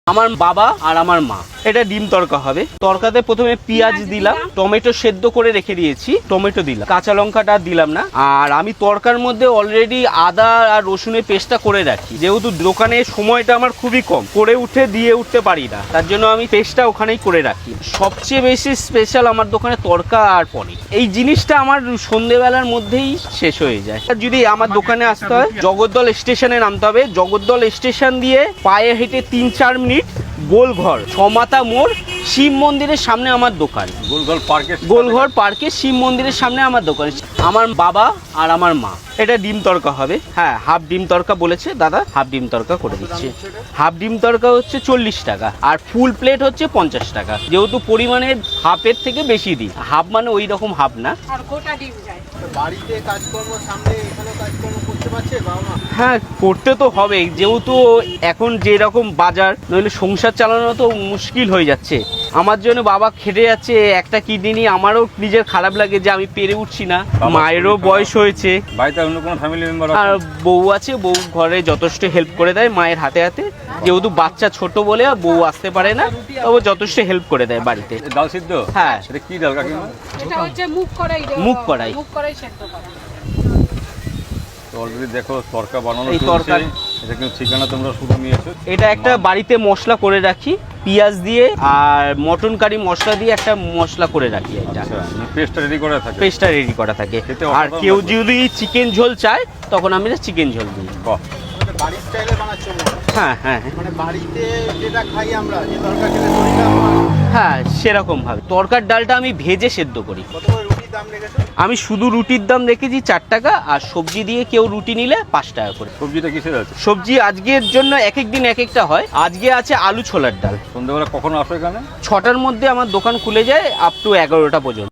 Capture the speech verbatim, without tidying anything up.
আমার বাবা আর আমার মা। এটা ডিম তড়কা হবে। তড়কাতে প্রথমে পেঁয়াজ দিলাম, টমেটো সেদ্ধ করে রেখে দিয়েছি, টমেটো দিলাম, কাঁচা লঙ্কাটা দিলাম না। আর আমি তড়কার মধ্যে অলরেডি আদা আর রসুনের পেস্টটা করে রাখি, যেহেতু দোকানে সময়টা আমার খুবই কম, করে উঠে দিয়ে উঠতে পারি না, তার জন্য আমি পেস্টটা ওখানেই করে রাখি। সবচেয়ে বেশি স্পেশাল আমার দোকানে তড়কা আর পনির, এই জিনিসটা আমার সন্ধ্যেবেলার মধ্যেই শেষ হয়ে যায়। যদি আমার দোকানে আসতে হয়, জগদ্দল স্টেশনে নামতে হবে। জগদ্দল স্টেশন দিয়ে পায়ে হেঁটে তিন চার মিনিট গোলঘর ছমাতা মোড় শিব মন্দিরের সামনে আমার দোকান। গোলঘর পার্কে গোলঘর পার্কে শিব মন্দিরের সামনে আমার দোকান। আমার বাবা আর আমার মা। এটা ডিম তড়কা হবে। হ্যাঁ, হাফ ডিম তড়কা বলেছে দাদা, হাফ ডিম তড়কা করে দিচ্ছি। হাফ ডিম তড়কা হচ্ছে চল্লিশ টাকা আর ফুল প্লেট হচ্ছে পঞ্চাশ টাকা। যেহেতু পরিমাণে হাফের থেকে বেশি দিই, হাফ মানে ওই রকম হাফ না। আর গোটা ডিম যায়। বাড়িতে কাজকর্ম সামনে এখানে কাজকর্ম করতে পারছে বাবা মা? হ্যাঁ, করতে তো হবে, যেহেতু এখন যেরকম বাজার, নইলে সংসার চালানো তো মুশকিল হয়ে যাচ্ছে। আমার জন্য বাবা খেটে যাচ্ছে একটা কিডনি নিয়ে, আমারও নিজের খারাপ লাগে যে আমি পেরে উঠছি না। মায়েরও বয়স হয়েছে, বাড়িতে অন্য কোনো ফ্যামিলি মেম্বার আর বউ আছে, বউ ঘরে যথেষ্ট হেল্প করে দেয় মায়ের হাতে হাতে। যেহেতু বাচ্চা ছোট বলে বউ আসতে পারে না, তবে যথেষ্ট হেল্প করে দেয় বাড়িতে। ডাল সিদ্ধ? হ্যাঁ। এটা কি ডাল কাকিমা? এটা হচ্ছে মুগ কড়াই। মুগ কড়াই। মুগ কড়াই সেদ্ধ করা। তো অলরেডি দেখো তড়কা বানানো এই চলছে। তরকারি- এটা কিন্তু ঠিকানা তোমরা শুধু নিয়েছো। এটা একটা বাড়িতে মশলা করে রাখি, পেঁয়াজ দিয়ে আর মটন কারি মশলা দিয়ে একটা মশলা করে রাখি। এটা আচ্ছা, পেস্টটা রেডি করা থাকে। পেস্টটা রেডি করা থাকে। খেতে আর অসাধারণ কেউ লাগবে। যদি চিকেন ঝোল চায় তখন আমি চিকেন ঝোল দিই। বাহ, মানে বাড়ির স্টাইলে বানাচ্ছো মনে হয়। হ্যাঁ হ্যাঁ মানে বাড়িতে যেটা খাই আমরা, যে তরকারি খেলে শরীরটা আমার, হ্যাঁ, সেরকম ভাবে। তরকার ডালটা আমি ভেজে সেদ্ধ করি। কত করে রুটির দাম রেখেছো? আমি শুধু রুটির দাম রেখেছি চার টাকা, আর সবজি দিয়ে কেউ রুটি নিলে পাঁচ টাকা করে। সবজিটা কিসের আছে? সবজি আজকের জন্য এক এক দিন এক একটা হয়। আজকে আছে আলু ছোলার ডাল। সন্ধ্যাবেলা কখন আসো এখানে? ছটার মধ্যে আমার দোকান খুলে যায় আপ টু এগারোটা পর্যন্ত।